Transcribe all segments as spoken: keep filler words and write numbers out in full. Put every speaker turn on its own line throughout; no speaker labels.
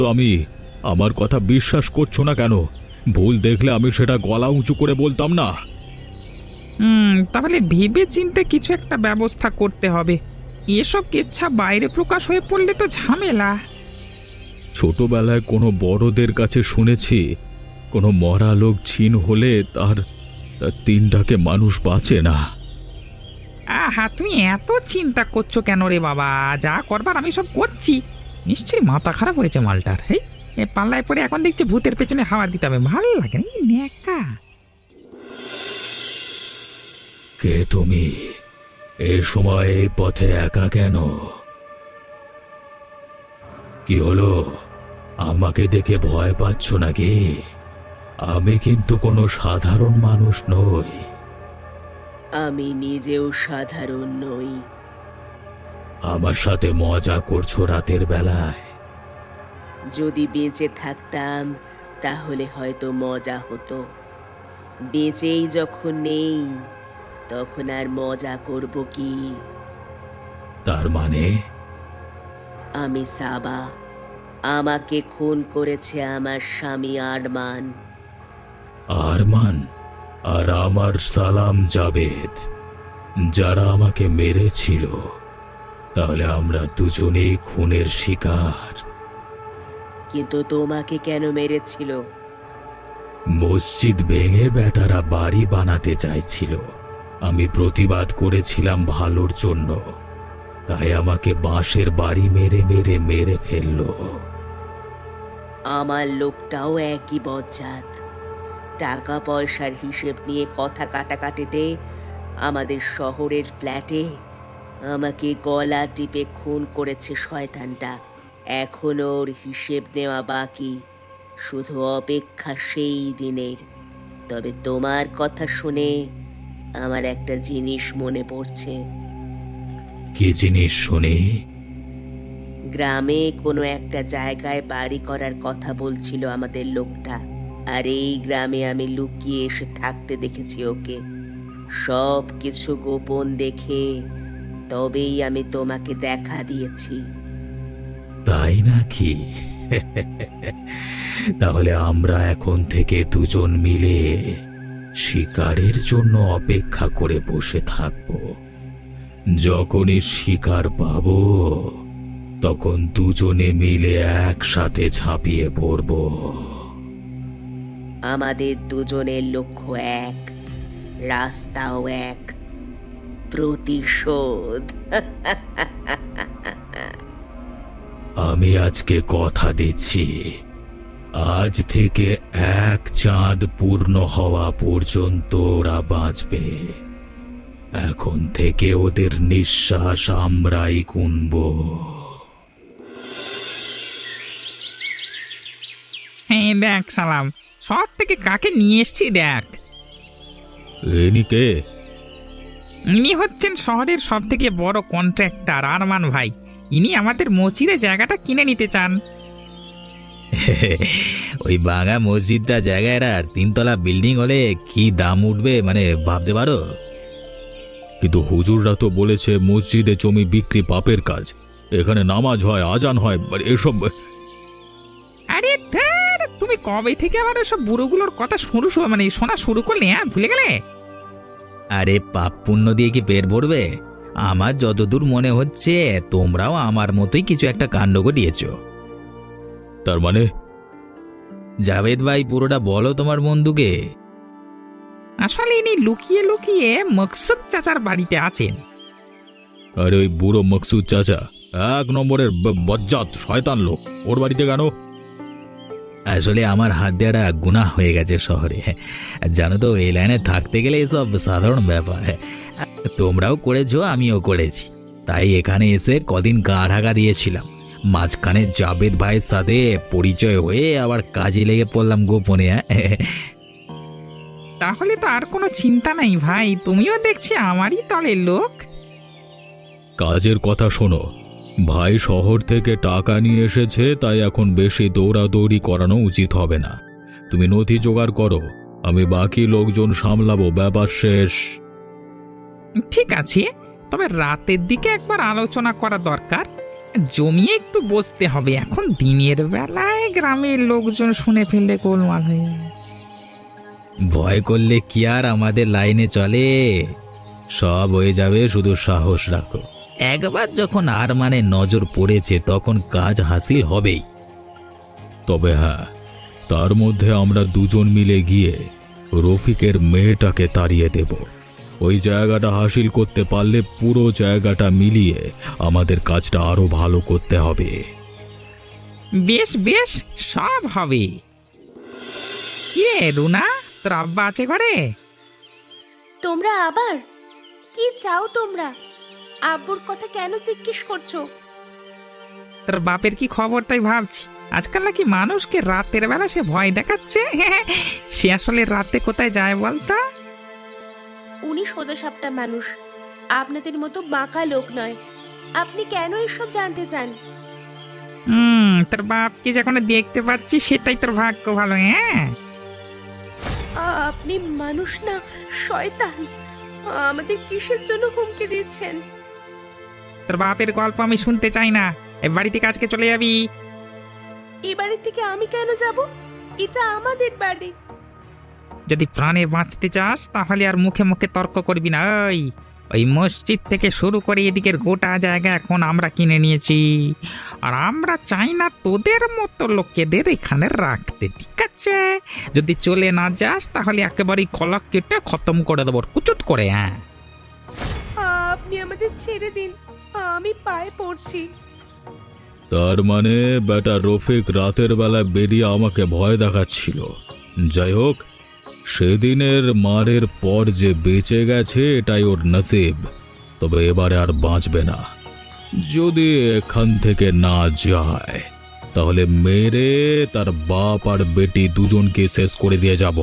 তো আমি আমার কথা বিশ্বাস করছো না কেন? ভুল দেখলে আমি সেটা গলা উঁচু করে বলতাম না?
হুম তাহলে ভেবে চিন্তে কিছু একটা ব্যবস্থা করতে হবে। এসব কেচ্ছা বাইরে প্রকাশ হয়ে পড়লে তো ঝামেলা।
ছোটবেলায় কোনো বড়দের কাছে শুনেছি, কোনো মরা লোক ছিন হলে তার তার তিনটাকে মানুষ বাঁচে না।
আহা, তুমি এত চিন্তা করছো কেন রে বাবা? যা করবার আমি সব করছি। নিশ্চয়ই মাথা খারাপ হয়েছে মালটার। এই এ পাল্লায় পরে এখন দেখছি ভূতের পেছনে হাওয়া দিতে হবে। ভালো লাগে না, এই ন্যাকা।
কে তুমি? এ সময় এই পথে একা কেন? কি হলো? আমাকে দেখে ভয় পাচ্ছ নাকি? আমি কিন্তু কোনো সাধারণ মানুষ নই।
আমি নিজেও সাধারণ নই।
আমার সাথে মজা করছো রাতের বেলায়?
যদি বেঁচে থাকতাম তাহলে হয়তো মজা হতো। বেঁচেই যখন নেই তখন আর মজা করব কি?
তার মানে?
আমি সাবা। আমাকে খুন করেছে আমার স্বামী আরমান।
আরমান আর আমার সালাম জাবেদ, যারা আমাকে মেরেছিল। তাহলে আমরা দুজনেই খুনের শিকার।
কিন্তু তোমাকে কেন মেরেছিল?
মসজিদ ভেঙে বেটারা বাড়ি বানাতে চাইছিল। আমি প্রতিবাদ করেছিলাম ভালোর জন্য, তাই আমাকে বাঁশের বাড়ি মেরে মেরে মেরে ফেললো।
আমার লোকটাও একই বজ্জাত। টাকা পয়সার হিসেব নিয়ে কথা কাটাকাটিতে আমাদের শহরের ফ্ল্যাটে আমাকে গলা টিপে খুন করেছে শয়তানটা। এখনো ওর হিসেব নেওয়া বাকি, শুধু অপেক্ষা সেই দিনের। তবে তোমার কথা শুনে আমার একটা জিনিস মনে পড়ছে।
কি জিনিস শুনি?
গ্রামে কোনো একটা জায়গায় বাড়ি করার কথা বলছিল আমাদের লোকটা। আর এই গ্রামে আমি লুকিয়ে এসে থাকতে দেখেছি ওকে। সব কিছু গোপন দেখে তবেই আমি তোমাকে দেখা দিয়েছি।
তাই নাকি? তাহলে আমরা এখন থেকে দুজন মিলে শিকারের জন্য অপেক্ষা করে বসে থাকব। যখনই শিকার পাবো তখন দুজনে মিলে একসাথে ঝাঁপিয়ে পড়ব।
আমাদের দুজনের লক্ষ্য এক, রাস্তাও এক, প্রতিশোধ।
আমি আজকে কথা দিচ্ছি, আজ থেকে এক চাঁদ পূর্ণ হওয়া পর্যন্ত ওরা বাঁচবে। এখন থেকে ওদের নিঃশ্বাস আমরাই গুনব।
হ্যাঁ দেখ সালাম, শহর থেকে কাকে নিয়ে এসছি দেখ।
এনি কে?
ইনি হচ্ছেন শহরের সব থেকে বড় কন্ট্রাক্টর আরমান ভাই। ইনি আমাদের মসজিদে জায়গাটা কিনে নিতে চান।
ওই বাঙা মসজিদটা জায়গায় তিনতলা বিল্ডিং হলে কি দাম উঠবে মানে ভাবতে পারো?
কিন্তু হুজুররা তো বলেছে মসজিদে জমি বিক্রি পাপের কাজ, এখানে নামাজ হয়, আজান হয়, মানে এসব।
আরে ধ্যার, তুমি কবে থেকে আবার সব বুড়োগুলোর কথা শুরু শু- মানে শোনা শুরু করলে? হ্যাঁ, ভুলে গেলে?
আরে পাপ পুণ্য দিয়ে কি পেট ভরবে? আমার যতদূর মনে হচ্ছে তোমরাও আমার মতোই কিছু একটা কাণ্ড ঘটিয়েছ।
তার মানে?
জাভেদ ভাই পুরোটা বলো তোমার বন্ধুকে।
আসলে ইনি লুকিয়ে লুকিয়ে মকসুদ চাচার বাড়িতে আছেন।
আরে ওই বুড়ো মকসুদ চাচা এক নম্বরের ব- বজ্জাত শয়তান লোক, ওর বাড়িতে কেন?
আসলে আমার হাত দেওয়াটা গুনাহ হয়ে গেছে শহরে। জানো তো, এই লাইনে থাকতে গেলে এসব সাধারণ ব্যাপার। তোমরাও করেছো, আমিও করেছি, তাই এখানে এসে কদিন গা ঢাকা দিয়েছিলাম। মাঝখানে জাবেদ ভাইয়ের সাথে পরিচয় হয়ে আবার কাজে লেগে পড়লাম গোপনে।
তাহলে তো আর কোনো চিন্তা নাই ভাই, তুমিও দেখছি আমারই দলের লোক।
কাজের কথা শোনো, ভাই শহর থেকে টাকা নিয়ে এসেছে, তাই এখন বেশি দৌড়াদৌড়ি করানো উচিত হবে না। তুমি নথি জোগাড় করো, আমি বাকি লোকজন সামলাবো, ব্যাপার শেষ।
ঠিক আছে, তবে রাতের দিকে একবার আলোচনা করা দরকার। জমিয়ে একটু বসতে হবে, এখন দিনের বেলায় গ্রামের লোকজন শুনে ফেললে গোলমাল হয়ে যাবে।
ভয় করলে কি আর আমাদের লাইনে চলে? সব হয়ে যাবে, শুধু সাহস রাখো। একবার যখন আর মানে নজর পড়েছে তখন কাজ হাসিল হবেই।
তবে হ্যাঁ, তার মধ্যে আমরা দুজন মিলে গিয়ে রফিকের মেয়েটাকে তাড়িয়ে দেব। ওই জায়গাটা হাসিল করতে পারলে পুরো জায়গাটা মিলিয়ে আমাদের কাজটা আরো ভালো করতে হবে।
বেশ বেশ, সব হবে। কি রে রুনা, তোর আব্বা আছে ঘরে?
তোমরা আবার কি চাও? তোমরা আব্বুর কথা কেন জিজ্ঞেস করছো?
তোর বাপের কি খবর তাই ভাবছি। আজকাল নাকি মানুষকে রাতের বেলা সে ভয় দেখাচ্ছে। সে আসলে রাতে কোথায় যায় বলতো?
উনি সোজাসাপটা মানুষ, আপনাদের মতো বাঁকা লোক নয়। আপনি কেন এসব জানতে চান?
হুম, তোর বাপকে যখন দেখতে পাচ্ছি সেটাই তোর ভাগ্য ভালো। হ্যাঁ,
আ- আপনি মানুষ না শয়তান। আমাদের কিসের জন্য হুমকি দিচ্ছেন?
তোর বাপের গল্প আমি শুনতে চাই না। এই বাড়ি থেকে আজকে চলে যাবি।
এই বাড়ি থেকে আমি কেন যাব? এটা আমাদের বাড়ি।
যদি প্রাণে বাঁচতে চাস তাহলে আর মুখে মুখে তর্ক করবি না। ওই ওই মসজিদ থেকে শুরু করে এদিকের গোটা জায়গা এখন আমরা কিনে নিয়েছি, আর আমরা চাই না তোদের মতো লোকেদের এখানে রাখতে, ঠিক আছে? যদি চলে না যাস তাহলে একেবারেই গলা কেটে খতম করে দেবো কুচুট করে। হ্যাঁ,
আপনি আমাদের ছেড়ে দিন, আমি পায়ে পড়ছি।
তার মানে বেটা রফিক রাতের বেলা বেরিয়ে আমাকে ভয় দেখাচ্ছিল। যাই হোক, সেদিনের মারের পর যে বেঁচে গেছে এটাই ওর নসিব। তবে এবারে আর বাঁচবে না। যদি এখান থেকে না যায় তাহলে মেরে তার বাপ আর বেটি দুজনকে শেষ করে দিয়ে যাব।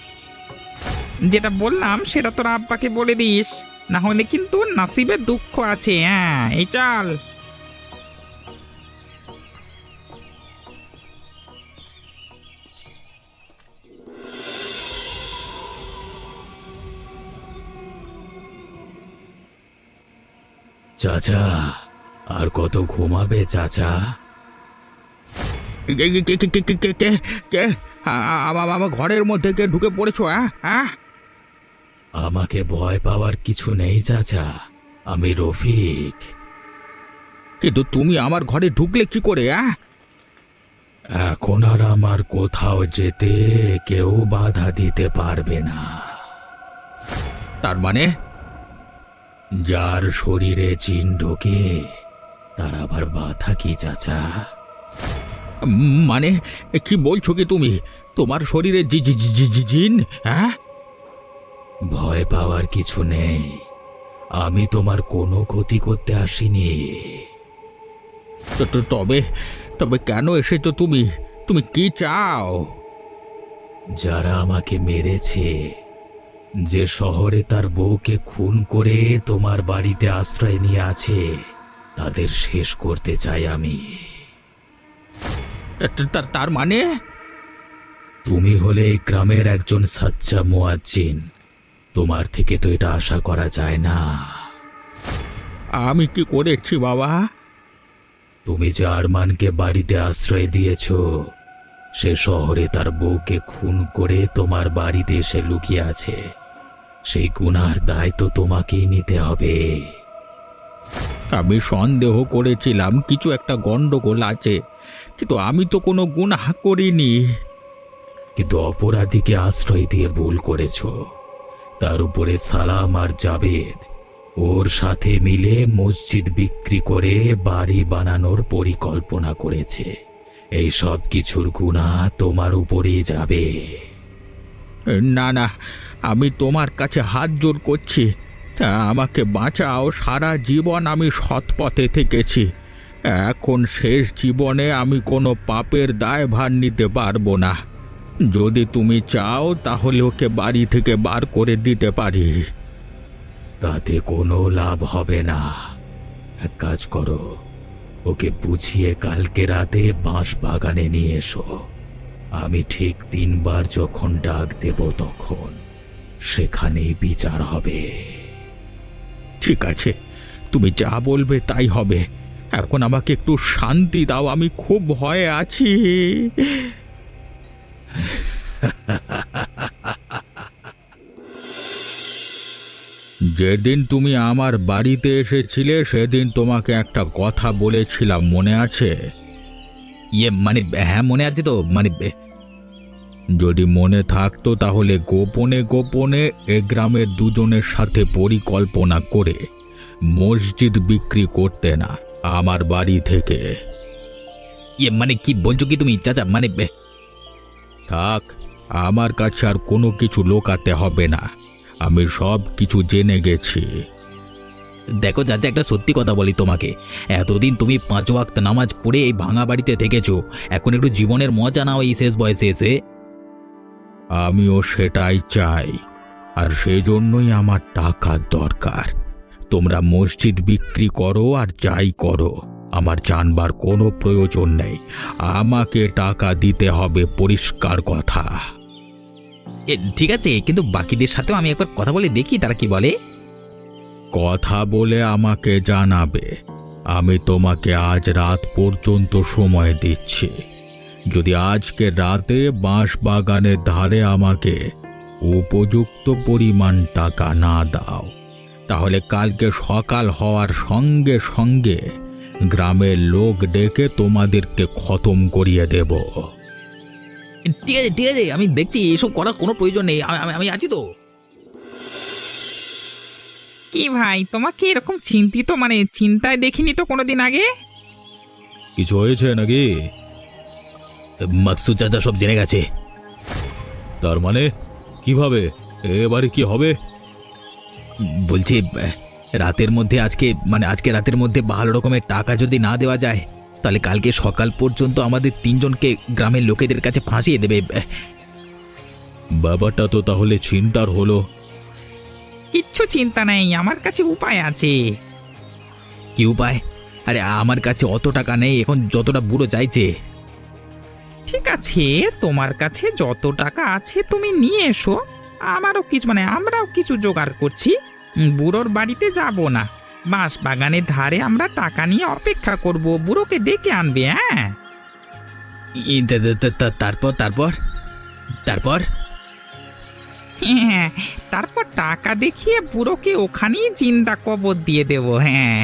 যেটা বললাম সেটা তোর আব্বাকে বলে দিস, না হলে কিন্তু নাসিবে দুঃখ আছে। হ্যাঁ, এই চল।
চাচা, আর কত ঘুমাবে চাচা?
আমার ঘরের মধ্যে কে ঢুকে পড়েছো? হ্যাঁ,
আমাকে ভয় পাওয়ার কিছু নেই চাচা, আমি রফিক।
কিন্তু তুমি আমার ঘরে ঢুকলে কি করে? হ্যাঁ,
এখন আর আমার কোথাও যেতে কেউ বাধা দিতে পারবে না।
তার মানে
যার শরীরে জিন ঢোকে তার আবার বাধা কি চাচা?
মানে কি বলছো কি তুমি? তোমার শরীরে জি জি জি জি জিন? হ্যাঁ,
ভয় পাওয়ার কিছু নেই, আমি তোমার কোনো ক্ষতি করতে আসিনি।
তো- তো- তবে তবে কেন এসেছো তুমি? তুমি কি চাও?
যারা আমাকে মেরেছে, যে শহরে তার বউকে খুন করে তোমার বাড়িতে আশ্রয় নিয়ে আছে, তাদের শেষ করতে চাই আমি।
তা- তা- তার মানে
তুমি হলে এই গ্রামের একজন সাচ্চা মুয়াজ্জিন, তোমার থেকে তো এটা আশা করা যায় না।
আমি কি করেছি বাবা?
তুমি যে আরমানকে বাড়িতে আশ্রয় দিয়েছ, সে শহরে তার বউকে খুন করে তোমার বাড়িতে এসে লুকিয়ে আছে। সেই গুনার দায় তো তোমাকেই নিতে হবে।
আমি সন্দেহ করেছিলাম কিছু একটা গন্ডগোল আছে, কিন্তু আমি তো কোনো গুনাহ করিনি।
কিন্তু অপরাধীকে আশ্রয় দিয়ে ভুল করেছ। তার উপরে সালাম আর জাবেদ ওর সাথে মিলে মসজিদ বিক্রি করে বাড়ি বানানোর পরিকল্পনা করেছে। এই সব কিছুর গুনাহ তোমার উপরেই যাবে।
না না, আমি তোমার কাছে হাত জোড় করছি, তা আমাকে বাঁচাও। সারা জীবন আমি সৎ পথে থেকেছি, এখন শেষ জীবনে আমি কোনো পাপের দায়ভার নিতে পারবো না। যদি তুমি চাও তাহলে ওকে বাড়ি থেকে বার করে দিতে পারি।
তাতে কোনো লাভ হবে না। এক কাজ করো, ওকে বুঝিয়ে কালকে রাতে বাঁশ বাগানে নিয়ে এসো। আমি ঠিক তিনবার যখন ডাক দেব তখন সেখানেই বিচার হবে।
ঠিক আছে, তুমি যা বলবে তাই হবে।
এখন আমাকে একটু শান্তি দাও, আমি খুব ভয়ে আছি। যেদিন তুমি আমার বাড়িতে এসেছিলে সেদিন তোমাকে একটা কথা বলেছিলাম, মনে আছে?
ইয়ে মানে হ্যাঁ মনে আছে তো, মানে
যদি মনে থাকতো তাহলে গোপনে গোপনে এ গ্রামের দুজনের সাথে পরিকল্পনা করে মসজিদ বিক্রি করতে না আমার বাড়ি থেকে।
ইয়ে মানে কি বলছো কি তুমি চাচা? মানে
থাক, আমার কাছে আর কোনো কিছু লোকাতে হবে না, আমি সব কিছু জেনে গেছি।
দেখো চাচা, একটা সত্যি কথা বলি তোমাকে, এতদিন তুমি পাঁচ ওয়াক্ত নামাজ পড়ে এই ভাঙা বাড়িতে থেকেছো, এখন একটু জীবনের মজা নাও এই শেষ বয়সে এসে।
আমিও সেটাই চাই, আর সেই জন্যই আমার টাকার দরকার। তোমরা মসজিদ বিক্রি করো আর যাই করো, আমার জানবার কোনো প্রয়োজন নেই, আমাকে টাকা দিতে হবে, পরিষ্কার কথা।
এ, ঠিক আছে, কিন্তু বাকিদের সাথেও আমি একবার কথা বলে দেখি তারা কি বলে।
কথা বলে আমাকে জানাবে। আমি তোমাকে আজ রাত পর্যন্ত সময় দিচ্ছি। যদি আজকে রাতে বাঁশ বাগানের ধারে আমাকে উপযুক্ত পরিমাণ টাকা না দাও, তাহলে কালকে সকাল হওয়ার সঙ্গে সঙ্গে গ্রামের লোক ডেকে তোমাদেরকে খতম করিয়ে দেব।
ঠিক আছে ঠিক আছে, আমি দেখছি, এসব করার কোনো প্রয়োজন নেই, আমি আমি আছি তো।
কি ভাই, তোমাকে এরকম চিন্তিত মানে চিন্তায় দেখিনি তো কোনোদিন আগে।
কিছু হয়েছে নাকি?
মাকসুদ চাচা সব জেনে গেছে।
তার মানে কিভাবে? এবারে কি হবে?
বলছি রাতের মধ্যে আজকে মানে আজকে রাতের মধ্যে ভালো রকমের টাকা যদি না দেওয়া যায়, তাহলে কালকে সকাল পর্যন্ত আমাদের তিনজনকে গ্রামের লোকেদের কাছে ফাঁসিয়ে দেবে।
ব্যাপারটা তো তাহলে চিন্তার হলো।
কিচ্ছু চিন্তা নেই, আমার কাছে উপায় আছে।
কি উপায়? আরে আমার কাছে অত টাকা নেই এখন, যতটা বুড়ো চাইছে।
ঠিক আছে, তোমার কাছে যত টাকা আছে তুমি নিয়ে এসো, আমারও কিছু মানে আমরাও কিছু জোগাড় করছি। উম, বুড়োর বাড়িতে যাব না, বাঁশ বাগানের ধারে আমরা টাকা নিয়ে অপেক্ষা করব, বুড়োকে ডেকে আনবে। হ্যাঁ,
ই, তা- তা- তা- তা- তারপর তারপর তারপর
হ্যাঁ, তারপর টাকা দেখিয়ে বুড়োকে ওখানেই জিন্দা কবর দিয়ে দেব। হ্যাঁ,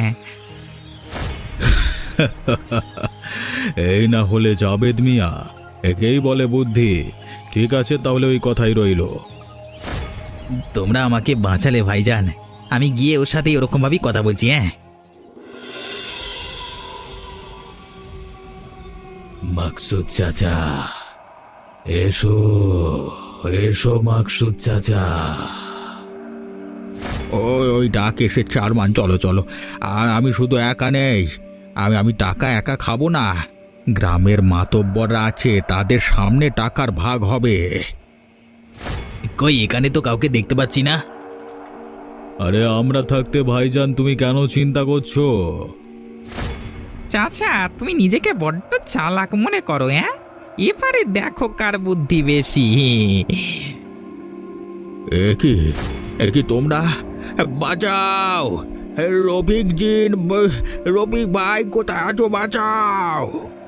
এই না হলে জাবেদ মিয়া, একেই বলে বুদ্ধি। ঠিক আছে, তাহলে ওই কথাই রইল।
তোমরা আমাকে বাঁচালে ভাইজান, আমি গিয়ে ওর সাথে ওরকম ভাবেই কথা বলছি। হ্যাঁ,
মাকসুদ চাচা, এসো এসো মাকসুদ চাচা। ওই ওই ডাক এসে চারমান, চলো চলো। আর আমি শুধু একা নেই, আমি আমি টাকা একা খাবো না, গ্রামের মাতব্বররা আছে, তাদের সামনে টাকার ভাগ হবে।
কই এখানে তো কাউকে দেখতে পাচ্ছি না।
আরে আমরা থাকতে ভাইজান তুমি কেন চিন্তা করছো?
চাচা তুমি নিজেকে বড্ড চালাক মনে করো। হ্যাঁ, এবারে দেখো কার বুদ্ধি বেশি।
এ কি এ কি তোমরা? বাঁচাও! রফিক জিন, রফিক ভাই কোথায় আছো? বাঁচাও!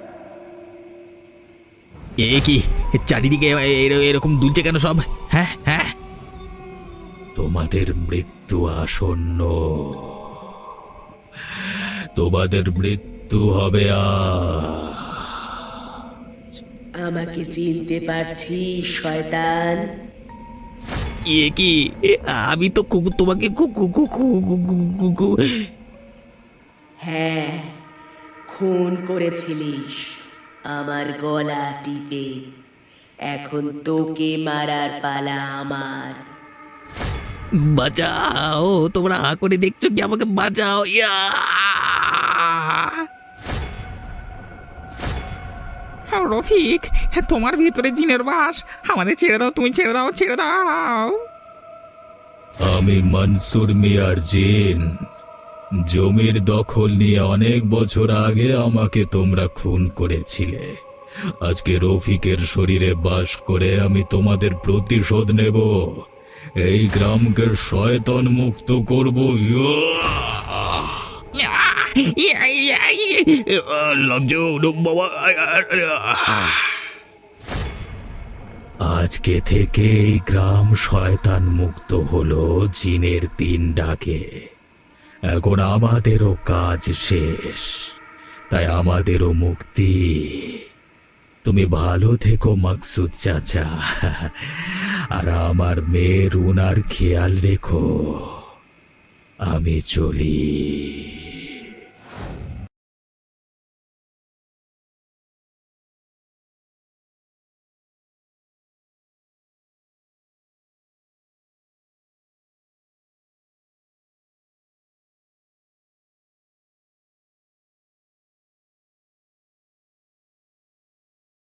এ কি চারিদিকে এ- এরকম দুলছে কেন সব? হ্যাঁ হ্যাঁ,
তোমাদের মৃত্যু আসন্ন, তোমাদের মৃত্যু হবে। আজ
আমাকে চিনতে পারছিস শয়তান?
এ কি এ, আমি তো কুকুর, তোমাকে কু- কু- কু- কু- কু- কু- কু- কু-
হ্যাঁ, খুন করেছিলিস আমার গলা টিপে, এখন তোকে মারার পালা আমার।
বাঁচাও, তোমরা হা করে দেখছো কি? আমাকে বাঁচাও। ইয়া!
হ্যাঁ, রফিক, হ্যাঁ, তোমার ভিতরে জিনের বাস, আমাদের ছেড়ে দাও, তুমি ছেড়ে দাও, ছেড়ে দাও।
আমি মনসুর মিয়ার জিন। জমির দখল নিয়ে অনেক বছর আগে আমাকে তোমরা খুন করেছিলে। আজকে রফিকের শরীরে বাস করে আমি তোমাদের প্রতিশোধ নেব, এই গ্রামকে শয়তান মুক্ত করব। ইয়া!
আহ!
লাগছে বাবা।
আজকে থেকে এই গ্রাম শয়তান মুক্ত হলো জিনের দিন ডাকে। এখন আমাদেরও কাজ শেষ, তাই আমাদেরও মুক্তি। তুমি ভালো থেকো মাকসুদ চাচা, আর আমার মেয়ের উনার খেয়াল রেখো। আমি চলি।